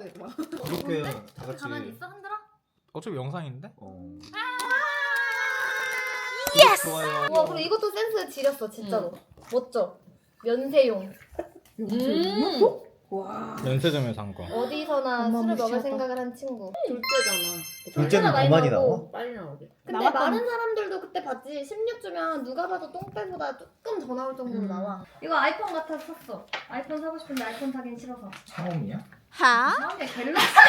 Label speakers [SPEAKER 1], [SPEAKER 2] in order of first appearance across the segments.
[SPEAKER 1] 되더라.
[SPEAKER 2] 그렇게 다 같이.
[SPEAKER 3] 가만히 있어 흔들어?
[SPEAKER 2] 어차피 영상인데?
[SPEAKER 3] 예스!
[SPEAKER 2] 좋아요.
[SPEAKER 3] 와 그리고 이것도 센스 지렸어 진짜로. 멋져. 면세용.
[SPEAKER 1] 와.
[SPEAKER 2] 면세점에서 산 거.
[SPEAKER 3] 어디서나
[SPEAKER 1] 어머,
[SPEAKER 3] 술을 먹을
[SPEAKER 1] 무시하다.
[SPEAKER 3] 생각을 한 친구.
[SPEAKER 1] 둘째잖아.
[SPEAKER 4] 둘째는 더 많이 나와?
[SPEAKER 1] 빨리 나오게.
[SPEAKER 3] 근데
[SPEAKER 1] 나왔던-
[SPEAKER 3] 많은 사람들도 그때 봤지. 16주면 누가 봐도 똥배보다 조금 더 나올 정도로 나와. 이거 아이폰 같아서 샀어. 아이폰 사고 싶은데 아이폰 사긴 싫어서.
[SPEAKER 2] 차범이야?
[SPEAKER 3] 다음에 갤럭시야.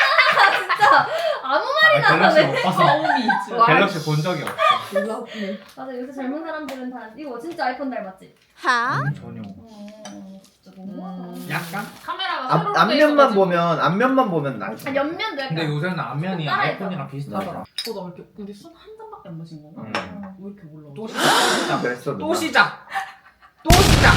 [SPEAKER 3] 진짜 아무 말이나
[SPEAKER 2] 갤럭시
[SPEAKER 3] 하네.
[SPEAKER 2] 못 봐서.
[SPEAKER 1] 와.
[SPEAKER 2] 갤럭시 본 적이 없어.
[SPEAKER 1] 놀랍네.
[SPEAKER 3] 맞아 요새 젊은 사람들은 다 이거 진짜 아이폰 닮았지?
[SPEAKER 2] 전혀.
[SPEAKER 3] 진짜 너무하다.
[SPEAKER 2] 약간?
[SPEAKER 5] 카메라가
[SPEAKER 4] 앞면만 보면 앞면만 보면 나.
[SPEAKER 3] 아, 옆면도 약간.
[SPEAKER 2] 근데 요새는 앞면이
[SPEAKER 3] 따라해서.
[SPEAKER 2] 아이폰이랑 비슷하더라.
[SPEAKER 5] 나 이렇게 우리 술 한 잔밖에 안 마신 건가? 왜 이렇게 올라오지?
[SPEAKER 2] 또 시작.
[SPEAKER 4] 그랬어.
[SPEAKER 2] 또 시작. 또 시작.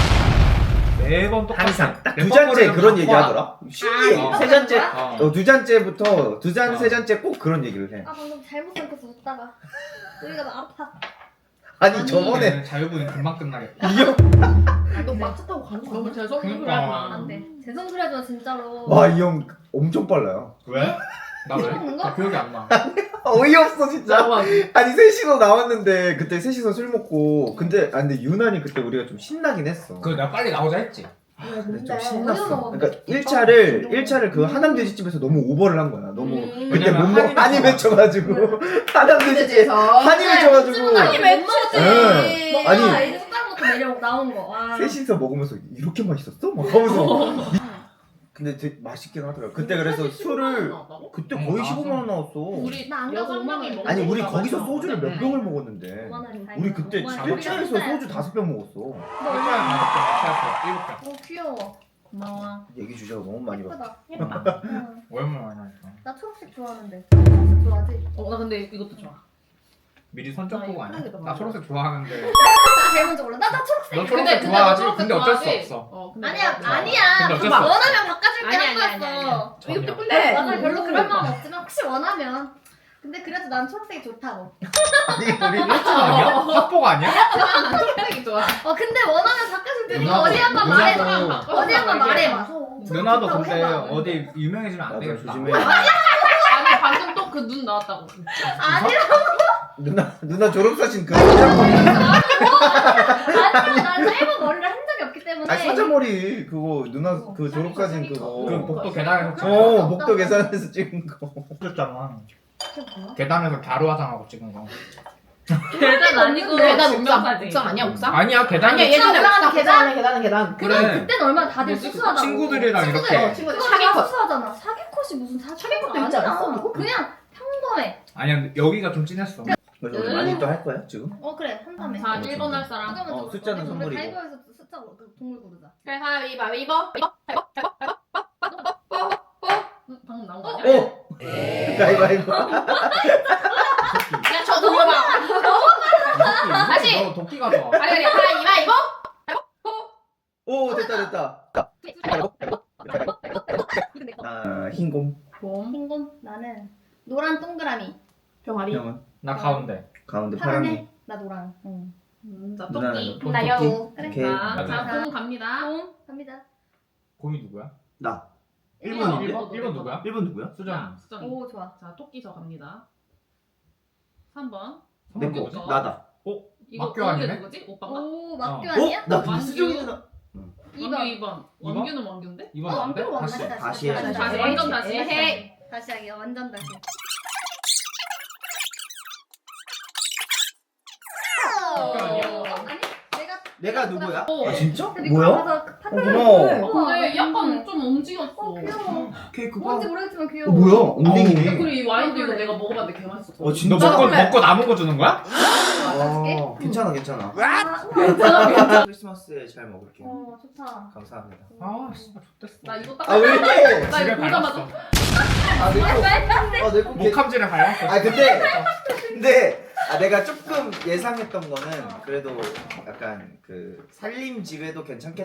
[SPEAKER 2] 매번 똑같아.
[SPEAKER 4] 항상 딱
[SPEAKER 2] 몇
[SPEAKER 4] 두 잔째
[SPEAKER 2] 번
[SPEAKER 4] 그런
[SPEAKER 2] 걸리면
[SPEAKER 4] 얘기
[SPEAKER 2] 바꿔.
[SPEAKER 4] 하더라. 신기해. 세 잔째. 두 잔째부터 두 잔 세 잔째 꼭 그런 얘기를 해.
[SPEAKER 3] 아 방금 잘못 생각해서 웃다가 여기가 나 아파.
[SPEAKER 4] 아니 저번에
[SPEAKER 2] 자유분이 금방 끝나겠다.
[SPEAKER 4] 이형
[SPEAKER 1] 너 마차 타고 가는 거
[SPEAKER 5] 너무
[SPEAKER 1] 아니야?
[SPEAKER 5] 죄송해서 그래.
[SPEAKER 2] 그러니까.
[SPEAKER 3] 안돼. 죄송 소리 하지마 진짜로.
[SPEAKER 4] 와 이 형 엄청 빨라요.
[SPEAKER 2] 왜? 나 왜?
[SPEAKER 3] 먹는 거?
[SPEAKER 2] 나 기억이 안 나.
[SPEAKER 4] 어이없어 진짜.
[SPEAKER 5] 나와.
[SPEAKER 4] 아니 셋이서 나왔는데 그때 셋이서 술 먹고 근데 유난히 그때 우리가 좀 신나긴 했어.
[SPEAKER 2] 그 내가 빨리 나오자 했지.
[SPEAKER 4] 근데 좀
[SPEAKER 3] 어디서
[SPEAKER 4] 신났어.
[SPEAKER 3] 먹었는데?
[SPEAKER 4] 그러니까 1차를 그 하남 돼지집에서 너무 오버를 한 거야. 너무 그때
[SPEAKER 2] 왜냐면
[SPEAKER 4] 못 먹 한이 맺혀가지고 하남 돼지집 한이 맺혀가지고
[SPEAKER 3] 아니 왜 먹지?
[SPEAKER 4] 응.
[SPEAKER 3] 아니
[SPEAKER 4] 아니.
[SPEAKER 3] 이제 숟가락 놓고 내려 나온 거. 와.
[SPEAKER 4] 셋이서 먹으면서 이렇게 맛있었어? 막 하면서 근데 되게 맛있긴 하더라고. 그때 그래서 술을 그때
[SPEAKER 2] 응,
[SPEAKER 4] 거의
[SPEAKER 2] 나왔어.
[SPEAKER 4] 15만 원 나왔어.
[SPEAKER 5] 우리
[SPEAKER 3] 나안
[SPEAKER 5] 여섯
[SPEAKER 3] 가서
[SPEAKER 5] 명이
[SPEAKER 3] 5만 원.
[SPEAKER 5] 먹는
[SPEAKER 4] 아니 우리
[SPEAKER 5] 거다
[SPEAKER 4] 거기서
[SPEAKER 5] 마셔.
[SPEAKER 4] 소주를 몇 병을 먹었는데
[SPEAKER 3] 5만 원이 다
[SPEAKER 4] 우리 그때 1차에서 소주 5병 먹었어.
[SPEAKER 2] 일자에 가볍게 일곱 병.
[SPEAKER 3] 어 귀여워.
[SPEAKER 5] 고마워.
[SPEAKER 4] 얘기 주제가 너무 많이 바뀌었어.
[SPEAKER 3] 예쁘다. 응.
[SPEAKER 2] 얼마나 많이 하니까.
[SPEAKER 3] 나 초록색 좋아하는데. 초록색 좋아하지?
[SPEAKER 5] 나 근데 이것도 좋아.
[SPEAKER 2] 미리 선적
[SPEAKER 5] 나
[SPEAKER 2] 보고
[SPEAKER 5] 이거
[SPEAKER 2] 아니야?
[SPEAKER 5] 편하게
[SPEAKER 2] 나
[SPEAKER 5] 먹어.
[SPEAKER 2] 초록색 좋아하는데.
[SPEAKER 3] 제일 먼저 골라. 나 초록색.
[SPEAKER 2] 너 초록색 좋아하지? 근데 어쩔 수
[SPEAKER 5] 초록색
[SPEAKER 2] 없어.
[SPEAKER 5] 근데
[SPEAKER 3] 아니야
[SPEAKER 5] 내가
[SPEAKER 3] 아니야.
[SPEAKER 2] 근데 어쩔 수 없어.
[SPEAKER 3] 원하면 바꿔줄게
[SPEAKER 5] 아니야,
[SPEAKER 3] 한
[SPEAKER 5] 아니야, 아니야,
[SPEAKER 3] 거였어.
[SPEAKER 2] 전혀.
[SPEAKER 1] 이것도 근데
[SPEAKER 3] 맞아 별로 그럴 마음 없지만 혹시 원하면. 근데 그래도 난 초록색이 좋다고.
[SPEAKER 4] 아니 우리
[SPEAKER 2] 아니야? 합복 아니야?
[SPEAKER 5] 초록색이 좋아.
[SPEAKER 3] 근데 원하면 바꿔줄 테니까
[SPEAKER 2] 누나도-
[SPEAKER 3] 어디 한번
[SPEAKER 2] 누나도-
[SPEAKER 3] 말해봐. 어디 한번 말해봐.
[SPEAKER 2] 누나도
[SPEAKER 3] 좋다고
[SPEAKER 2] 근데
[SPEAKER 3] 해봐.
[SPEAKER 2] 어디 유명해지면 안
[SPEAKER 4] 맞아
[SPEAKER 2] 되겠다.
[SPEAKER 4] 조심해.
[SPEAKER 5] 아니 방금 또 그 눈 나왔다고.
[SPEAKER 4] 누나 졸업 사진 그 사자머리.
[SPEAKER 3] 아니야 난 짧은 머리를 한 적이 없기 때문에.
[SPEAKER 4] 아니 사자머리 그거 누나 그 졸업 사진 그거.
[SPEAKER 2] 그 복도 계단에서 찍은
[SPEAKER 4] 어 목도 계산해서 찍은 거.
[SPEAKER 2] 잖아
[SPEAKER 3] 그게 뭐야?
[SPEAKER 2] 계단에서 갸루 화장하고 찍은 거.
[SPEAKER 5] 계단 아니고
[SPEAKER 1] 계단
[SPEAKER 5] 증명사진.
[SPEAKER 1] 옥상 아니야 옥상?
[SPEAKER 2] 아니야 계단.
[SPEAKER 1] 아니야 얘는
[SPEAKER 3] 올라가는 계단?
[SPEAKER 1] 계단.
[SPEAKER 2] 그래.
[SPEAKER 3] 그때는 얼마나 다들 수수하다고.
[SPEAKER 2] 친구들이랑 이렇게.
[SPEAKER 1] 친구들
[SPEAKER 3] 그거 다
[SPEAKER 1] 사기컷.
[SPEAKER 3] 수수하잖아. 사기컷이 무슨
[SPEAKER 1] 사기컷도 있지 않았어, 누구?
[SPEAKER 3] 그냥 평범해.
[SPEAKER 2] 아니야 여기가 좀 진했어.
[SPEAKER 4] 그래서 우리 많이 또 할 거야 지금?
[SPEAKER 3] 어 그래 한다음에.
[SPEAKER 5] 자 1번 할 사람.
[SPEAKER 3] 잠깐만
[SPEAKER 4] 숫자는 선물이고.
[SPEAKER 3] 가위바위보에서 숫자 동물 고르자.
[SPEAKER 5] 그래 가위바위보. 방금 나온 거 아니야?
[SPEAKER 4] 오 가위바위보.
[SPEAKER 5] 야저 돌려봐. 다시!
[SPEAKER 2] 너 도끼 가져와.
[SPEAKER 5] 아니 가위바위보.
[SPEAKER 4] 오 됐다. 아 흰곰.
[SPEAKER 5] 봄.
[SPEAKER 3] 흰곰 나는 노란 동그라미.
[SPEAKER 1] 병아리.
[SPEAKER 4] 형은
[SPEAKER 2] 나 가운데.
[SPEAKER 4] 가운데 파랑이.
[SPEAKER 3] 파란해. 나 노랑. 응.
[SPEAKER 5] 자
[SPEAKER 4] 누나는
[SPEAKER 5] 토끼.
[SPEAKER 3] 나 여우. 그래.
[SPEAKER 4] 오케이.
[SPEAKER 5] 자 봄 갑니다.
[SPEAKER 3] 봄 갑니다.
[SPEAKER 2] 곰이 누구야?
[SPEAKER 4] 나.
[SPEAKER 5] 1번
[SPEAKER 2] 1번 누구야?
[SPEAKER 4] 1번 누구야?
[SPEAKER 2] 수정.
[SPEAKER 5] 수정.
[SPEAKER 3] 오 좋아.
[SPEAKER 5] 자 토끼 저 갑니다. 3번.
[SPEAKER 4] 내 거.
[SPEAKER 5] 뭐죠?
[SPEAKER 4] 나다.
[SPEAKER 5] 이거
[SPEAKER 2] 막교 아니네?
[SPEAKER 5] 누구지? 오빠가?
[SPEAKER 3] 오 막교
[SPEAKER 2] 어.
[SPEAKER 3] 아니야?
[SPEAKER 4] 나
[SPEAKER 5] 완규.
[SPEAKER 4] 수정이 누나.
[SPEAKER 5] 원규 2번.
[SPEAKER 2] 이번?
[SPEAKER 5] 원규는 원규인데?
[SPEAKER 2] 2번 안 돼?
[SPEAKER 3] 왕표
[SPEAKER 2] 다시.
[SPEAKER 4] 다시 해.
[SPEAKER 5] 다시 완전 다시.
[SPEAKER 3] 에헤이. 다시 하기 완전 다시.
[SPEAKER 2] 막교 아니야?
[SPEAKER 3] 아니
[SPEAKER 4] 내가 누구야?
[SPEAKER 5] 어.
[SPEAKER 4] 아 진짜?
[SPEAKER 3] 근데
[SPEAKER 4] 뭐야?
[SPEAKER 3] 가서 파트
[SPEAKER 4] 고마워.
[SPEAKER 5] 근데 약간 좀 움직였어.
[SPEAKER 3] 귀여워.
[SPEAKER 4] 케이크가.
[SPEAKER 3] 뭔지 모르겠지만 귀여워.
[SPEAKER 4] 뭐야? 엉덩이네.
[SPEAKER 5] 그리고 이 와인도 이거 내가 먹어봤는데 개 맛있었어.
[SPEAKER 4] 어 진짜?
[SPEAKER 2] 너 먹고 남은 거 주는 거야?
[SPEAKER 4] 아, 괜찮아.
[SPEAKER 3] 아, 우와.
[SPEAKER 4] 크리스마스에 잘 먹을게요.
[SPEAKER 3] 어 좋다.
[SPEAKER 4] 감사합니다.
[SPEAKER 2] 아 씨발 좋댔어.
[SPEAKER 5] 나 이거 딱.
[SPEAKER 4] 아 왜 이래?
[SPEAKER 5] 나
[SPEAKER 2] 집에
[SPEAKER 5] 이거 보자마자.
[SPEAKER 2] 밟았어.
[SPEAKER 4] 아내거아내거
[SPEAKER 2] 목함질에 밟았어.
[SPEAKER 4] 아 근데 내가 조금 예상했던 거는 그래도 약간 그 살림집에도 괜찮겠다.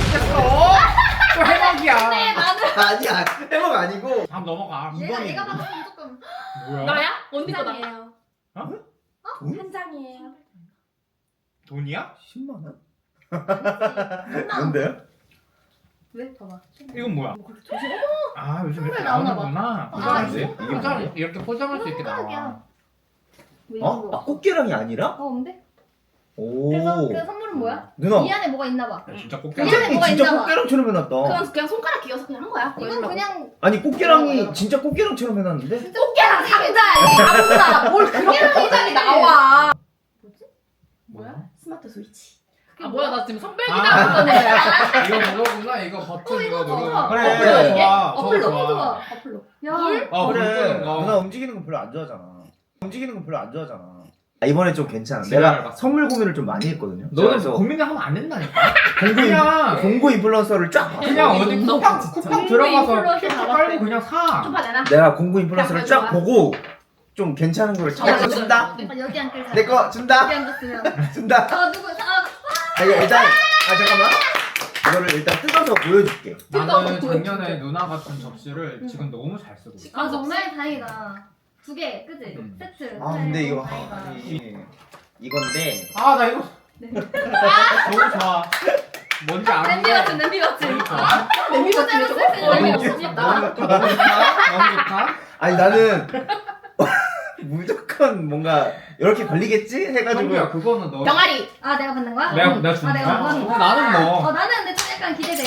[SPEAKER 2] 또 해먹이야.
[SPEAKER 3] 네 나는
[SPEAKER 4] 아니야 해먹 아니고.
[SPEAKER 2] 다음 넘어가.
[SPEAKER 3] 내가 받았으면 조금
[SPEAKER 2] 뭐야?
[SPEAKER 5] 나야? 언니
[SPEAKER 3] 한
[SPEAKER 5] 거다.
[SPEAKER 3] 장이에요.
[SPEAKER 2] 어?
[SPEAKER 4] 돈?
[SPEAKER 3] 한 장이에요.
[SPEAKER 2] 돈이야?
[SPEAKER 4] 10만 원?
[SPEAKER 3] 뭔데?
[SPEAKER 4] 뭔데요?
[SPEAKER 3] 왜? 봐봐.
[SPEAKER 2] 이건 뭐야? 아 요즘 이렇게
[SPEAKER 3] 선물 나오나
[SPEAKER 2] 나오는구나.
[SPEAKER 3] 아,
[SPEAKER 2] 포장할
[SPEAKER 4] 이게
[SPEAKER 2] 수 포장 이렇게 포장할 수 있게 나와.
[SPEAKER 3] 손가락이야. 뭐
[SPEAKER 4] 어?
[SPEAKER 3] 이런 거.
[SPEAKER 4] 아 꽃게랑이 아니라?
[SPEAKER 3] 어, 뭔데?
[SPEAKER 4] 오.
[SPEAKER 3] 그래서 그 선물은 뭐야?
[SPEAKER 4] 누나.
[SPEAKER 3] 이 안에 뭐가 있나 봐.
[SPEAKER 2] 야, 진짜 꼭
[SPEAKER 3] 이 안에 뭐가
[SPEAKER 4] 진짜
[SPEAKER 3] 있나 봐.
[SPEAKER 4] 꽃게랑처럼 해놨다.
[SPEAKER 1] 그냥 손가락 끼워서 그냥 한 거야.
[SPEAKER 3] 이건 그냥
[SPEAKER 4] 아니 꽃게랑이 진짜 꽃게랑처럼 해놨는데?
[SPEAKER 1] 꽃게랑 상자 아무나 뭘 그렇게 상자리 나와.
[SPEAKER 5] 뭐야?
[SPEAKER 1] 스마트 스위치.
[SPEAKER 5] 아 뭐야 나 지금 선별
[SPEAKER 2] 아.
[SPEAKER 5] 기다렸던 거야.
[SPEAKER 2] 이거 그거구나. 이거 버튼 이거
[SPEAKER 3] 이거
[SPEAKER 2] 누르는
[SPEAKER 3] 좋아.
[SPEAKER 2] 거.
[SPEAKER 4] 그래.
[SPEAKER 2] 저거 좋아.
[SPEAKER 3] 어플로
[SPEAKER 2] 저거
[SPEAKER 3] 너무 좋아.
[SPEAKER 1] 어플로.
[SPEAKER 3] 야.
[SPEAKER 2] 아
[SPEAKER 4] 그래.
[SPEAKER 2] 그래.
[SPEAKER 4] 누나 움직이는 거 별로 안 좋아하잖아. 움직이는 거 별로 안 좋아하잖아. 아, 이번에 좀 괜찮아.
[SPEAKER 2] 지랄
[SPEAKER 4] 내가
[SPEAKER 2] 봤어.
[SPEAKER 4] 선물 고민을 좀 많이 했거든요.
[SPEAKER 2] 너는
[SPEAKER 4] 그래서
[SPEAKER 2] 고민을 하면 안 된다니까.
[SPEAKER 4] 그냥 공고 인플루언서를 쫙 봤어.
[SPEAKER 2] 그냥 어디 쿠팡 들어가서
[SPEAKER 3] 인플루언서
[SPEAKER 2] 캡처
[SPEAKER 3] 나갔대.
[SPEAKER 2] 깔고 그냥 사.
[SPEAKER 1] 좀 받아라.
[SPEAKER 4] 내가 공고 인플루언서를
[SPEAKER 1] 그냥
[SPEAKER 4] 쫙
[SPEAKER 1] 좋아.
[SPEAKER 4] 보고 좀 괜찮은 거를 쫙 준다.
[SPEAKER 3] 아, 여기 앉길
[SPEAKER 4] 내 거 준다.
[SPEAKER 3] 여기 앉았으면.
[SPEAKER 4] 준다.
[SPEAKER 3] 아 누구?
[SPEAKER 4] 내가 일단 잠깐만. 이거를 일단 뜯어서 보여줄게.
[SPEAKER 2] 나는 작년에 누나 같은 접시를 지금 너무 잘 쓰고 있어.
[SPEAKER 3] 아 정말 다행이다. 2개, 그지? 세트.
[SPEAKER 4] 아 근데 이거
[SPEAKER 3] 다행이다.
[SPEAKER 4] 이건데
[SPEAKER 2] 아 나 이거
[SPEAKER 3] 네.
[SPEAKER 2] 너무 좋아. 뭔지 알아?
[SPEAKER 3] 냄비 같은 냄비 같은.
[SPEAKER 2] 너무 좋아.
[SPEAKER 1] 냄비 같은 거
[SPEAKER 3] 쓸수 있는 냄비
[SPEAKER 1] 너무
[SPEAKER 3] 같은.
[SPEAKER 2] 너무 좋다. 너무 좋다. 너무 좋다.
[SPEAKER 4] 아니 나는 무조건 뭔가 이렇게 걸리겠지 해가지고
[SPEAKER 2] 정규야 그거는 너.
[SPEAKER 1] 병아리.
[SPEAKER 3] 아 내가 받는 거야?
[SPEAKER 2] 내가 주는
[SPEAKER 3] 아, 내가
[SPEAKER 2] 거야?
[SPEAKER 3] 뭐?
[SPEAKER 2] 나는 뭐.
[SPEAKER 3] 나는 근데 좀 약간 기대돼.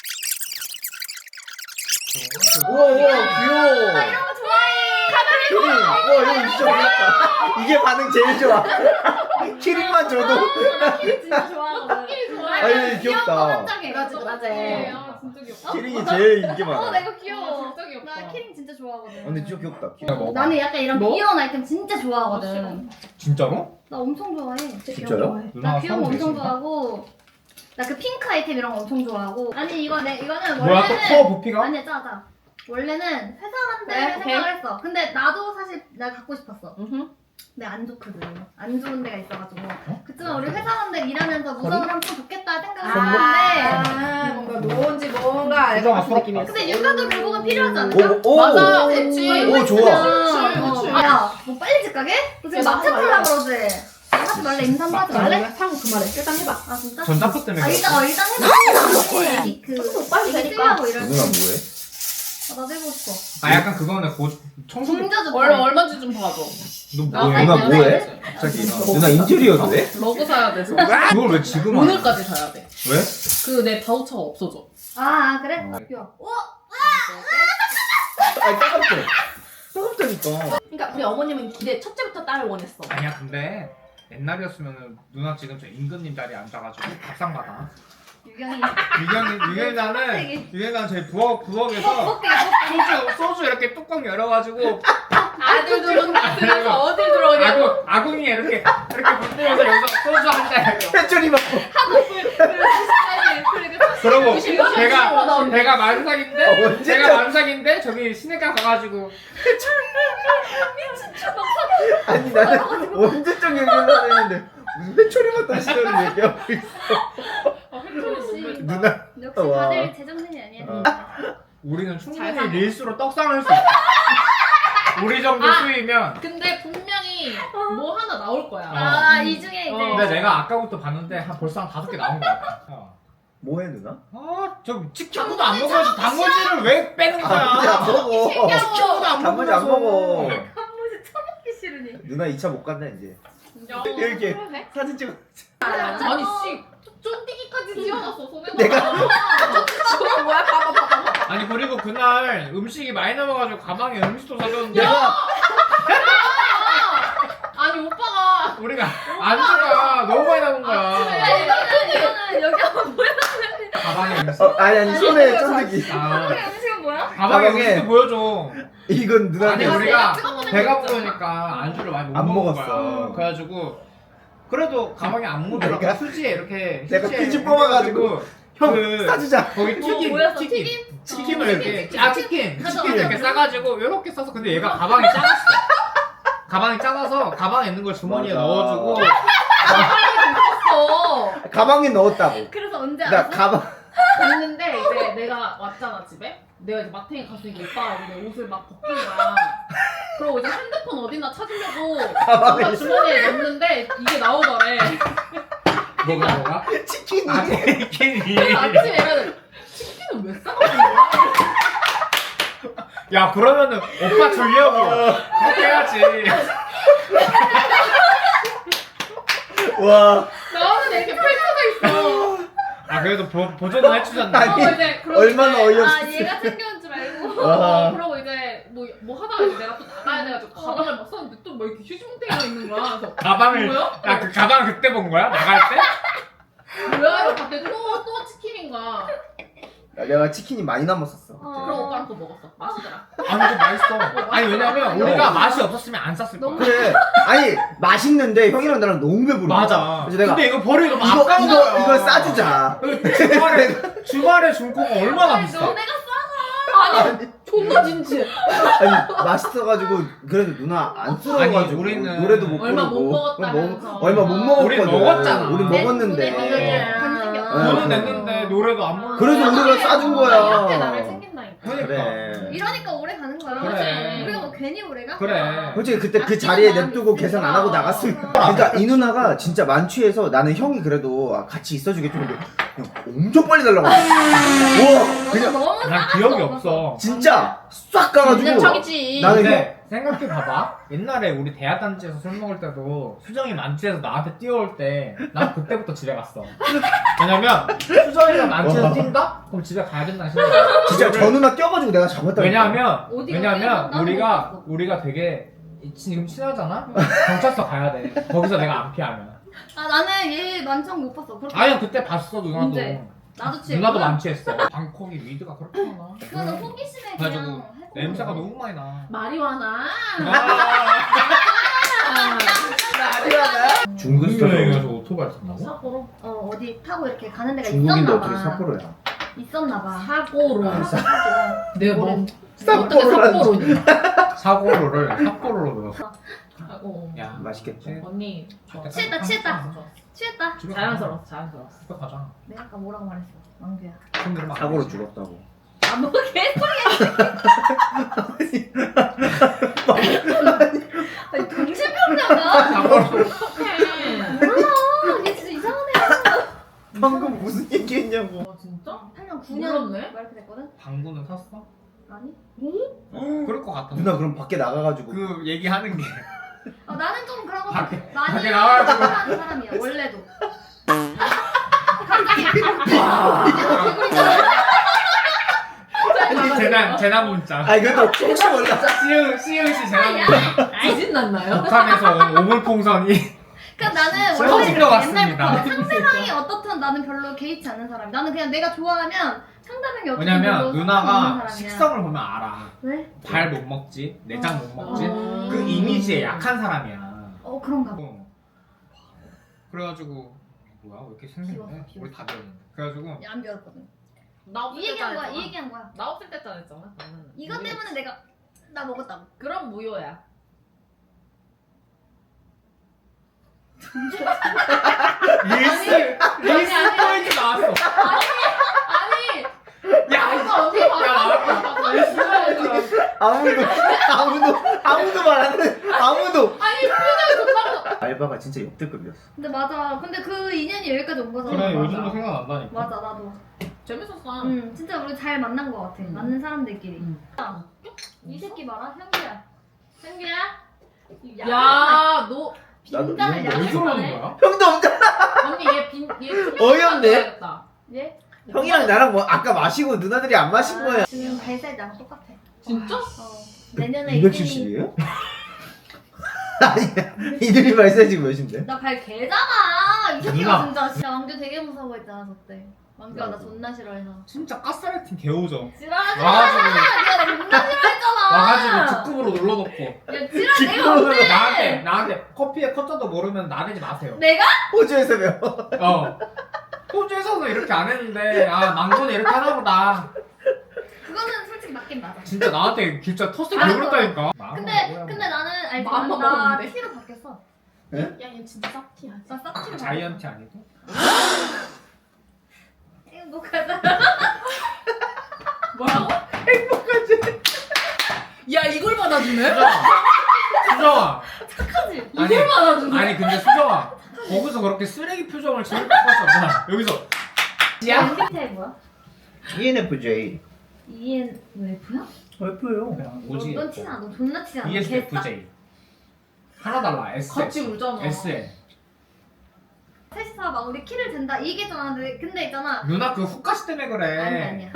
[SPEAKER 4] 우와 귀여워.
[SPEAKER 3] 나 이런 거 좋아해.
[SPEAKER 4] 키링. 와 이거 진짜 귀엽다. 이게 반응 제일 좋아. 키링만 줘도.
[SPEAKER 3] 나 키링 진짜 좋아하거든.
[SPEAKER 4] 아니, 귀엽다.
[SPEAKER 3] 귀여운 거 한짝에.
[SPEAKER 1] 그러지, 그러지.
[SPEAKER 5] 아 진짜 귀엽다.
[SPEAKER 4] 키링이 제일 인기
[SPEAKER 3] 나
[SPEAKER 4] 많아.
[SPEAKER 3] 이거 귀여워.
[SPEAKER 5] 진짜 귀엽다.
[SPEAKER 3] 나 키링 진짜 좋아하거든.
[SPEAKER 4] 근데 진짜 귀엽다.
[SPEAKER 2] 야,
[SPEAKER 4] 귀여워.
[SPEAKER 2] 뭐?
[SPEAKER 3] 나는 약간 이런
[SPEAKER 5] 뭐?
[SPEAKER 3] 귀여운 아이템 진짜 좋아하거든.
[SPEAKER 2] 진짜로?
[SPEAKER 3] 나 엄청 좋아해.
[SPEAKER 4] 진짜요?
[SPEAKER 3] 나
[SPEAKER 2] 누나가
[SPEAKER 3] 귀여운 거
[SPEAKER 2] 사오고
[SPEAKER 3] 엄청
[SPEAKER 2] 계신다.
[SPEAKER 3] 좋아하고. 나 그 핑크 아이템 이런 거 엄청 좋아하고. 아니 이거는
[SPEAKER 2] 뭐야 또
[SPEAKER 3] 원래는
[SPEAKER 2] 커 부피가?
[SPEAKER 3] 아니야 짜자. 원래는 회사한테
[SPEAKER 1] 네, 오케이.
[SPEAKER 3] 생각을 했어. 근데 나도 사실 내가 갖고 싶었어.
[SPEAKER 1] 응.
[SPEAKER 3] 근데 안 좋거든. 안 좋은 데가 있어가지고.
[SPEAKER 2] 어?
[SPEAKER 3] 그치만 우리 회사원들 일하면서 무덤을 하면 좀 좋겠다 생각을
[SPEAKER 1] 아,
[SPEAKER 3] 했는데.
[SPEAKER 1] 뭔가 뭔지 뭔가 알 것 같은 느낌이었어.
[SPEAKER 3] 근데 육아도 결국은 필요하지 않을까?
[SPEAKER 4] 오,
[SPEAKER 1] 맞아, 됐지.
[SPEAKER 4] 오 좋아.
[SPEAKER 1] 그치.
[SPEAKER 3] 야, 뭐 빨리 집 가게? 너 지금
[SPEAKER 1] 야,
[SPEAKER 3] 마트
[SPEAKER 1] 나도
[SPEAKER 3] 팔라
[SPEAKER 1] 말래.
[SPEAKER 3] 그러지? 하지 말래, 임산부 하지
[SPEAKER 1] 말래?
[SPEAKER 3] 말래?
[SPEAKER 1] 사고 그 말해. 일단 해봐.
[SPEAKER 3] 아, 진짜?
[SPEAKER 2] 전자포 때문에
[SPEAKER 3] 아, 일단
[SPEAKER 2] 그래.
[SPEAKER 3] 일단 해봐. 그,
[SPEAKER 1] 빨리
[SPEAKER 3] 이게
[SPEAKER 1] 되니까.
[SPEAKER 3] 쓰려고 이럴 때.
[SPEAKER 4] 누나 뭐해?
[SPEAKER 3] 아, 나도 해보고 싶어.
[SPEAKER 2] 아 약간 그거는 청소기.
[SPEAKER 3] 중저주
[SPEAKER 5] 얼마인지 좀 봐줘.
[SPEAKER 2] 너 뭐해?
[SPEAKER 4] 누나
[SPEAKER 3] 아,
[SPEAKER 4] 뭐해?
[SPEAKER 3] 네.
[SPEAKER 4] 갑자기 누나 인테리어도 해?
[SPEAKER 5] 러그 사야 돼서.
[SPEAKER 2] 그걸 왜 지금 하냐?
[SPEAKER 5] 오늘까지 사야 돼.
[SPEAKER 2] 왜?
[SPEAKER 5] 그 내 바우처가 없어져.
[SPEAKER 3] 아, 그래?
[SPEAKER 4] 어.
[SPEAKER 3] 야,
[SPEAKER 4] 아니 따갑대. 따갑다니까.
[SPEAKER 1] 그러니까 우리 어머님은 기대 첫째부터 딸을 원했어.
[SPEAKER 2] 아니야 근데 옛날이었으면은 누나 지금 저 임금님 자리에 앉아가지고 밥상 받아.
[SPEAKER 3] 유경이.
[SPEAKER 2] 유경이 나는 저희 부엌에서
[SPEAKER 3] 뻑뻑해,
[SPEAKER 2] 소주 이렇게 뚜껑 열어가지고
[SPEAKER 5] 아들 들어오면서 어딜 들어오냐고.
[SPEAKER 2] 아궁이 이렇게 불뜨면서 여기서 소주 한 잔.
[SPEAKER 4] 회초리 막.
[SPEAKER 2] 그러고
[SPEAKER 5] 조심,
[SPEAKER 2] 내가 만삭인데
[SPEAKER 4] 언제
[SPEAKER 2] 제가 만삭인데 저기 시내가 가가지고
[SPEAKER 4] 아니 나는 언제적 얘기를 했는데 무슨 회초리 맡던 시절을 얘기하고 있어.
[SPEAKER 3] 역시.
[SPEAKER 4] 누나.
[SPEAKER 3] 역시
[SPEAKER 4] 와.
[SPEAKER 3] 다들 제정신이 아니야.
[SPEAKER 4] 어.
[SPEAKER 2] 우리는
[SPEAKER 5] 잘
[SPEAKER 2] 충분히
[SPEAKER 5] 사네.
[SPEAKER 2] 릴스로 떡상할 수 있어. 우리 정도 수위면.
[SPEAKER 5] 근데 분명히 뭐 하나 나올 거야.
[SPEAKER 3] 아, 이 중에 이제.
[SPEAKER 2] 근데 내가 아까부터 봤는데 벌써 한 5개 나온 거 같아.
[SPEAKER 4] 뭐해 누나?
[SPEAKER 2] 저 치킨도 안 먹어야지 단무지를 왜 빼는
[SPEAKER 4] 단무지 안
[SPEAKER 2] 거야?
[SPEAKER 4] 먹어.
[SPEAKER 2] 치킨도 안
[SPEAKER 4] 단무지 안 먹어.
[SPEAKER 3] 한번씩 처먹기 싫으니.
[SPEAKER 4] 누나 2차 못 간다 이제.
[SPEAKER 5] 야,
[SPEAKER 4] 이렇게
[SPEAKER 5] 그러네.
[SPEAKER 4] 사진 찍어.
[SPEAKER 5] 아니 씨 쫀디기까지 지어놨어 손에.
[SPEAKER 4] 내가-
[SPEAKER 1] 뭐야? 봐봐.
[SPEAKER 2] 아니 그리고 그날 음식이 많이 남아가지고 가방에 음식도 사줬는데
[SPEAKER 4] 내가
[SPEAKER 5] 아니 오빠가
[SPEAKER 2] 우리가 안주가 너무 많이 남은
[SPEAKER 3] 야,
[SPEAKER 2] 거야.
[SPEAKER 3] 이거는 여기 한번 보여.
[SPEAKER 2] 가방에 음식.
[SPEAKER 4] 아니 손에 쫀득이.
[SPEAKER 2] 아,
[SPEAKER 3] 음식은 뭐야?
[SPEAKER 2] 가방에
[SPEAKER 4] 가방에-
[SPEAKER 2] 음식도 보여줘.
[SPEAKER 4] 이건
[SPEAKER 2] 아니
[SPEAKER 4] 누나한테
[SPEAKER 2] 우리가
[SPEAKER 5] 찍어보낸
[SPEAKER 2] 배가
[SPEAKER 5] 거 있잖아.
[SPEAKER 2] 부르니까 안주를 많이 못
[SPEAKER 4] 안
[SPEAKER 2] 먹은
[SPEAKER 4] 먹었어.
[SPEAKER 2] 거야. 그래가지고 그래도 가방에 안 묻더라고.
[SPEAKER 4] 내가-
[SPEAKER 2] 수지에 이렇게
[SPEAKER 4] 내가
[SPEAKER 2] 휴지에
[SPEAKER 4] 퀴즈 뽑아가지고
[SPEAKER 2] 해가지고
[SPEAKER 4] 형
[SPEAKER 2] 그-
[SPEAKER 4] 사주자.
[SPEAKER 2] 거기 튀김
[SPEAKER 3] 뭐였어?
[SPEAKER 2] 튀김을
[SPEAKER 3] 어,
[SPEAKER 2] 이렇게
[SPEAKER 3] 치킨,
[SPEAKER 2] 아
[SPEAKER 3] 치킨.
[SPEAKER 2] 치킨
[SPEAKER 3] 가져와,
[SPEAKER 2] 치킨을 이렇게
[SPEAKER 3] 가져와.
[SPEAKER 2] 싸가지고 이렇게 싸서 근데 얘가 가방이 작았어. 가방이 작아서 가방에 있는 걸 주머니에
[SPEAKER 4] 맞아.
[SPEAKER 2] 넣어주고
[SPEAKER 5] 어.
[SPEAKER 4] 가방에 넣었다고.
[SPEAKER 3] 그래서 언제
[SPEAKER 4] 나
[SPEAKER 3] 알았어?
[SPEAKER 4] 가방.
[SPEAKER 5] 갔는데 이제 내가 왔잖아 집에. 내가 이제 마탱이 가서 이제 오빠가 이제 내 옷을 막 벗긴 거야. 그러고 이제 핸드폰 어디나 찾으려고
[SPEAKER 4] 가방에
[SPEAKER 5] 오빠 주머니에 넣는데 이게 나오더래.
[SPEAKER 2] 뭐가
[SPEAKER 4] 치킨이.
[SPEAKER 2] 아 치킨이
[SPEAKER 5] 그래서 아침에 얘가 치킨은 왜 싸가지고 거야?
[SPEAKER 2] 야 그러면은 오빠 주려고 그렇게 해야지.
[SPEAKER 4] 와
[SPEAKER 5] 나는 이렇게 펼쳐져 있어.
[SPEAKER 2] 아 그래도 보조는 해주잖아.
[SPEAKER 4] 아니,
[SPEAKER 5] 이제 그러고
[SPEAKER 4] 얼마나
[SPEAKER 5] 이제,
[SPEAKER 4] 어이없어.
[SPEAKER 3] 아 얘가 챙겨온 줄 알고.
[SPEAKER 4] 와.
[SPEAKER 5] 그러고 이제 뭐 하다가 이제 내가 또 나가야 돼가지고 가방을 막 썼는데 또 뭐 이렇게 휴지뭉텅이가 있는 거야. 그래서
[SPEAKER 2] 가방을
[SPEAKER 5] 뭐야?
[SPEAKER 2] 야 그 가방 그때 본 거야? 나갈 때?
[SPEAKER 5] 뭐야? 이러고 봤더니 또 치킨인가.
[SPEAKER 4] 야, 내가 치킨이 많이 남았었어.
[SPEAKER 5] 그럼 오빠랑 또 먹었어. 맛있더라.
[SPEAKER 2] 아니 이거 맛있어. 아니 왜냐면 우리가 맛이 없었으면 안 쌌을 거야.
[SPEAKER 4] 그래. 아니 맛있는데 형이랑 나랑 너무 배부르.
[SPEAKER 2] 맞아.
[SPEAKER 4] 그래서 내가
[SPEAKER 2] 근데 이거 버리고 너무
[SPEAKER 4] 이거
[SPEAKER 2] 아까운 거야.
[SPEAKER 4] 이거 싸주자.
[SPEAKER 2] 주말에 중고가 얼마나 비싸?
[SPEAKER 3] 너네가
[SPEAKER 5] 아니 존나 진지해.
[SPEAKER 4] 아니 맛있어가지고 그래도 누나 안 쓰러워가지고
[SPEAKER 2] 아니, 우리는
[SPEAKER 4] 노래도 못
[SPEAKER 5] 얼마
[SPEAKER 4] 부르고
[SPEAKER 5] 못 먹었다면서.
[SPEAKER 4] 얼마 못 먹었거든.
[SPEAKER 2] 우리 먹었잖아.
[SPEAKER 4] 우리
[SPEAKER 3] 내
[SPEAKER 4] 먹었는데.
[SPEAKER 3] 돈에
[SPEAKER 5] 네.
[SPEAKER 3] 간식이 없어.
[SPEAKER 2] 돈은 냈는데 노래도 안 불러.
[SPEAKER 4] 그래서 우리가 싸준
[SPEAKER 5] 이렇게
[SPEAKER 4] 거야.
[SPEAKER 5] 나를 챙긴다니까.
[SPEAKER 2] 그러니까.
[SPEAKER 4] 그래.
[SPEAKER 3] 이러니까 오래 가는 거야.
[SPEAKER 2] 그래.
[SPEAKER 3] 우리가 뭐 괜히 오래 가?
[SPEAKER 2] 그래.
[SPEAKER 4] 솔직히 그때 그
[SPEAKER 3] 아끼는
[SPEAKER 4] 자리에
[SPEAKER 3] 마음이
[SPEAKER 4] 냅두고
[SPEAKER 3] 있으니까.
[SPEAKER 4] 계산 안 하고 나갔으면. 그러니까 이 누나가 진짜 만취해서 나는 형이 그래도 같이 있어주겠지. 근데 그냥 엄청 빨리 날라가. 우와 그냥
[SPEAKER 3] 너무
[SPEAKER 2] 난
[SPEAKER 3] 싸가지도
[SPEAKER 2] 기억이
[SPEAKER 3] 없어서.
[SPEAKER 2] 없어.
[SPEAKER 4] 진짜 싹 가가지고.
[SPEAKER 3] 그냥 척이지.
[SPEAKER 4] 나는
[SPEAKER 2] 근데 생각해 봐봐. 옛날에 우리 대학단지에서 술 먹을 때도 수정이 만취해서 나한테 뛰어올 때 난 그때부터 집에 갔어. 왜냐면 수정이가 만취해서
[SPEAKER 4] 와.
[SPEAKER 2] 뛴다? 그럼 집에 가야 된다는 생각이야.
[SPEAKER 4] 진짜 저 누나 껴가지고 내가 잡았다.
[SPEAKER 2] 왜냐면
[SPEAKER 3] 어디가
[SPEAKER 2] 왜냐면
[SPEAKER 3] 뛰어서
[SPEAKER 2] 우리가
[SPEAKER 3] 나는 못
[SPEAKER 2] 우리가 되게 지금 친하잖아. 경찰서 가야 돼. 거기서 내가 안 피하면.
[SPEAKER 3] 아 나는 얘 만취한 못 봤어. 그렇게
[SPEAKER 2] 아니 그때 봤어 누나도.
[SPEAKER 3] 언제? 나도 취했
[SPEAKER 2] 누나도 만취했어. 방콕이 위드가 그렇게 많아.
[SPEAKER 3] 그거는 호기심에
[SPEAKER 2] 그래가지고
[SPEAKER 3] 그냥 해보는
[SPEAKER 2] 냄새가
[SPEAKER 3] 거야.
[SPEAKER 2] 너무 많이 나.
[SPEAKER 5] 마리화나.
[SPEAKER 4] 중국
[SPEAKER 2] 여행에서 오토바이 탔나고?
[SPEAKER 5] 사고로.
[SPEAKER 3] 어디 타고 이렇게 가는 데가
[SPEAKER 4] 중국인데
[SPEAKER 3] 있었나
[SPEAKER 4] 어떻게
[SPEAKER 3] 봐.
[SPEAKER 4] 삿포로야?
[SPEAKER 3] 있었나 봐.
[SPEAKER 5] 사고로. 내가 뭐
[SPEAKER 4] 삿포로라는
[SPEAKER 5] 어떻게 사고로니?
[SPEAKER 2] 사고로를 삿포로로 넣었어.
[SPEAKER 5] 사고.
[SPEAKER 2] 야
[SPEAKER 4] 맛있겠다.
[SPEAKER 5] 언니 좋아.
[SPEAKER 3] 취했다, 취했다. 취했다.
[SPEAKER 2] 집에
[SPEAKER 5] 자연스러웠어 자연스러웠어.
[SPEAKER 2] 집에 가자.
[SPEAKER 3] 내가 아까 뭐라고 말했어? 왕규야.
[SPEAKER 2] 손 들으면 안
[SPEAKER 4] 사고로
[SPEAKER 2] 되지.
[SPEAKER 4] 죽었다고.
[SPEAKER 3] 안 먹게 아니 정신병자가?
[SPEAKER 2] 사고로.
[SPEAKER 5] 어떡해.
[SPEAKER 3] 몰라. 얘 진짜 이상하네.
[SPEAKER 4] 방금 무슨 얘기했냐고.
[SPEAKER 5] 진짜?
[SPEAKER 3] 8년 9년
[SPEAKER 5] 몰랐네.
[SPEAKER 3] 막 이렇게 됐거든?
[SPEAKER 2] 방구는 샀어?
[SPEAKER 3] 아니?
[SPEAKER 2] 그럴 것 같아.
[SPEAKER 4] 누나 그럼 밖에 나가가지고
[SPEAKER 2] 그 얘기하는 게
[SPEAKER 3] 나는 좀 그런 거
[SPEAKER 2] 밖에-
[SPEAKER 3] 많이
[SPEAKER 2] 밖에 나와가지고.
[SPEAKER 3] 하는 사람이야 원래도.
[SPEAKER 2] 재난 문자.
[SPEAKER 4] 아니 그래도 혹시 몰라.
[SPEAKER 2] 시흥시 재난 문자.
[SPEAKER 5] 지진 났나요?
[SPEAKER 2] 북한에서 온 오물풍선이
[SPEAKER 3] 그러니까 나는
[SPEAKER 2] 쏟아진
[SPEAKER 3] 원래
[SPEAKER 2] 것 같습니다.
[SPEAKER 3] 옛날부터 상대방이 어떻든 나는 별로 개의치 않는 사람. 나는 그냥 내가 좋아하면 상대방이 어떻든
[SPEAKER 2] 왜냐면
[SPEAKER 3] 별로
[SPEAKER 2] 누나가
[SPEAKER 3] 상관없는 사람이야.
[SPEAKER 2] 식성을 보면 알아.
[SPEAKER 3] 왜?
[SPEAKER 2] 발 못 먹지, 내장 못 먹지.
[SPEAKER 5] 어.
[SPEAKER 2] 그 이미지에 약한 사람이야.
[SPEAKER 3] 그런가 봐.
[SPEAKER 2] 그래가지고 뭐야 왜 이렇게 생겼네?
[SPEAKER 3] 비웠어.
[SPEAKER 2] 우리 다 비웠는데. 그래가지고
[SPEAKER 3] 안 비웠거든.
[SPEAKER 5] 나 없을
[SPEAKER 3] 이
[SPEAKER 5] 때
[SPEAKER 3] 얘기한 거야.
[SPEAKER 5] 잘했잖아.
[SPEAKER 3] 이 얘기한 거야.
[SPEAKER 5] 나 없을 때 잘했잖아. 나는.
[SPEAKER 3] 이것 때문에 내가 나 먹었다고.
[SPEAKER 5] 그럼 무효야.
[SPEAKER 2] 릴스 포인트 나왔어.
[SPEAKER 5] 아니
[SPEAKER 2] 야
[SPEAKER 5] 이거 어떻게
[SPEAKER 2] 야,
[SPEAKER 5] 봤어?
[SPEAKER 4] 아무도 말 안 해. 아무도.
[SPEAKER 5] 아니 표정이 좋다고.
[SPEAKER 4] 알바가 진짜 역대급이었어.
[SPEAKER 3] 근데 맞아. 근데 그 인연이 여기까지 온 거잖아.
[SPEAKER 2] 그래
[SPEAKER 3] 맞아.
[SPEAKER 2] 요즘도 생각난다니까.
[SPEAKER 3] 맞아 나도.
[SPEAKER 5] 재밌었어.
[SPEAKER 3] 진짜 우리 잘 만난 거 같아. 맞는 사람들끼리. 이 새끼 봐라 현규야. 현규야.
[SPEAKER 5] 야, 너
[SPEAKER 3] 빈장을
[SPEAKER 4] 나도
[SPEAKER 2] 왜 저러는
[SPEAKER 3] 야기하네.
[SPEAKER 2] 거야?
[SPEAKER 4] 형도 없잖아.
[SPEAKER 5] 언니 얘
[SPEAKER 4] 어이없네.
[SPEAKER 3] 얘
[SPEAKER 4] 형이랑 나랑 뭐 아까 마시고 누나들이 안 마신 거야.
[SPEAKER 3] 지금 발사이 나랑 똑같아.
[SPEAKER 5] 진짜?
[SPEAKER 3] 내년에
[SPEAKER 4] 270이에요? 아니 이들이 발사지 몇인데?
[SPEAKER 3] 나발 개잖아. 이 새끼가
[SPEAKER 2] 누나.
[SPEAKER 3] 진짜. 야 왕규 되게 무서워했잖아 저때. 왕규가 나 존나 싫어해서.
[SPEAKER 2] 진짜 가스라이팅 개오죠.
[SPEAKER 3] 지랄하지 마.
[SPEAKER 2] 와가지고
[SPEAKER 3] 내가 나 존나 싫어했잖아.
[SPEAKER 2] 와가지고 직급으로 눌러놓고
[SPEAKER 3] 야 지랄 내가 언제?
[SPEAKER 2] 나한테 커피에 커터도 모르면 나대지 마세요.
[SPEAKER 3] 내가?
[SPEAKER 4] 호주에서 배워.
[SPEAKER 2] 호주에서도 이렇게 안 했는데 망고는 이렇게 하나 보다.
[SPEAKER 3] 그거는 솔직히 맞긴 맞아.
[SPEAKER 2] 진짜 나한테 진짜 터스를
[SPEAKER 3] 맞아.
[SPEAKER 2] 개그랬다니까.
[SPEAKER 3] 근데 나는 알지
[SPEAKER 5] 마음
[SPEAKER 3] 나
[SPEAKER 5] 먹었는데.
[SPEAKER 3] T로 바뀌었어.
[SPEAKER 5] 야, 얘 진짜 쌉티야.
[SPEAKER 3] 나 싹티로 바뀌었어.
[SPEAKER 2] 자이언티 아니고?
[SPEAKER 3] 행복하다.
[SPEAKER 5] 뭐라고? 야, 이걸 받아주네?
[SPEAKER 2] 수정아.
[SPEAKER 3] 착하지?
[SPEAKER 2] 아니,
[SPEAKER 5] 이걸 받아주네?
[SPEAKER 2] 아니 근데 수정아 거기서 그렇게 쓰레기 표정을 지을 수 없잖아. 여기서
[SPEAKER 3] MBTI 뭐야?
[SPEAKER 4] ENFJ.
[SPEAKER 3] ENF야?
[SPEAKER 4] 예뻐요.
[SPEAKER 2] 그냥 오지.
[SPEAKER 3] 넌 티지 않아. 너 존나 티지 않아.
[SPEAKER 2] ESFJ. 하나 달라. S.
[SPEAKER 5] 같이 울잖아.
[SPEAKER 2] S에.
[SPEAKER 3] 셋이서 막 우리 키를 잰다 이 얘기잖아. 근데 있잖아.
[SPEAKER 2] 누나 그 후카시 때문에 그래.
[SPEAKER 3] 아니야.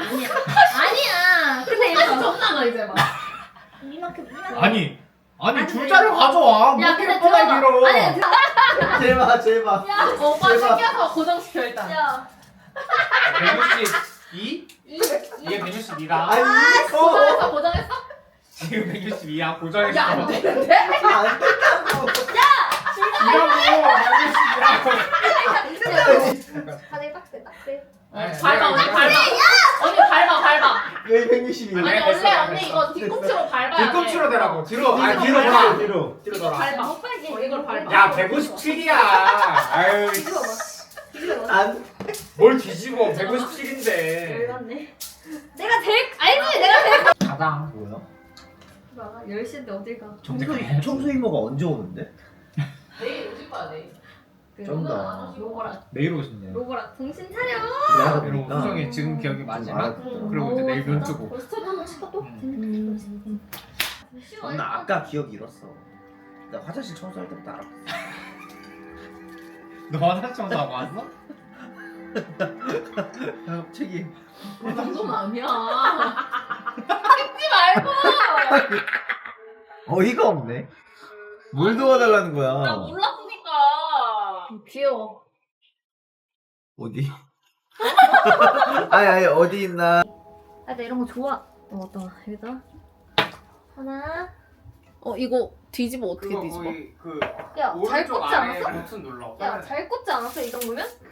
[SPEAKER 3] 근데
[SPEAKER 5] 아니
[SPEAKER 3] 이거
[SPEAKER 5] 정나가 이제 막.
[SPEAKER 3] 이만큼.
[SPEAKER 2] 아니
[SPEAKER 3] 아니,
[SPEAKER 2] 줄자를 가져와.
[SPEAKER 3] 야,
[SPEAKER 2] 뭐
[SPEAKER 3] 근데
[SPEAKER 2] 이렇게 뻔하게 길어.
[SPEAKER 3] 아니
[SPEAKER 4] 제발 제발.
[SPEAKER 5] 오빠
[SPEAKER 4] 대박.
[SPEAKER 5] 챙겨서 고정시켜 일단.
[SPEAKER 3] 야.
[SPEAKER 2] 162? 이게 162다.
[SPEAKER 4] 아니
[SPEAKER 5] 고정했어 고정했어?
[SPEAKER 2] 지금 162야. 고정했어.
[SPEAKER 5] 야 안 되는데?
[SPEAKER 4] 안 된다고.
[SPEAKER 2] 이라고.
[SPEAKER 3] 다들 딱대.
[SPEAKER 5] 밟아 언니 밟아. 언니 밟아.
[SPEAKER 4] 왜 162?
[SPEAKER 5] 아니
[SPEAKER 2] 됐어,
[SPEAKER 5] 원래
[SPEAKER 2] 됐어.
[SPEAKER 5] 언니 이거 뒤꿈치로 밟아야 돼.
[SPEAKER 2] 뒤꿈치로 대라고. 뒤로. 아니
[SPEAKER 5] 뒤로
[SPEAKER 2] 뒤로
[SPEAKER 5] 밟아.
[SPEAKER 2] 돌아.
[SPEAKER 4] 뒤로.
[SPEAKER 2] 뒤로
[SPEAKER 5] 이거
[SPEAKER 2] 돌아.
[SPEAKER 5] 밟아.
[SPEAKER 3] 못 빨게.
[SPEAKER 5] 이걸 밟아.
[SPEAKER 2] 야 157이야. 아유.
[SPEAKER 4] 안.
[SPEAKER 2] 뭘 뒤집어. 157인데.
[SPEAKER 3] 열받네. 내가 제일
[SPEAKER 2] 가장.
[SPEAKER 4] 뭐야?
[SPEAKER 3] 봐. 10시인데 어딜 가?
[SPEAKER 4] 청소 이모가 언제 오는데?
[SPEAKER 5] 내일 오실 거야 내일.
[SPEAKER 4] 쩐다.
[SPEAKER 3] 로고라.
[SPEAKER 2] 내일 오신대.
[SPEAKER 3] 로고라. 정신 차려.
[SPEAKER 4] 내가
[SPEAKER 2] 그리고
[SPEAKER 4] 보니까
[SPEAKER 2] 수정이 지금 기억이 마지막.
[SPEAKER 4] 응.
[SPEAKER 2] 그리고 이제 내일 눈 뜨고.
[SPEAKER 3] 스텝 한번 치까 또?
[SPEAKER 4] 나 아까 기억 잃었어. 나 화장실 청소할 때부터 알았어.
[SPEAKER 2] 너 화장실 청소하고 왔어?
[SPEAKER 4] 갑자기.
[SPEAKER 5] 그 정도는 아니야. 찍지 말고.
[SPEAKER 4] 어이가 없네. 뭘 도와달라는
[SPEAKER 5] 나
[SPEAKER 4] 거야?
[SPEAKER 5] 몰랐으니까.
[SPEAKER 3] 귀여워.
[SPEAKER 4] 어디? 아니 어디 있나?
[SPEAKER 3] 아, 나 이런 거 좋아. 어떤 여기다 하나.
[SPEAKER 5] 이거 뒤집어 어떻게
[SPEAKER 2] 그
[SPEAKER 3] 야, 잘 꽂지 않았어?
[SPEAKER 2] 버튼 눌러.
[SPEAKER 3] 야, 잘 꽂지 않았어 이 정도면?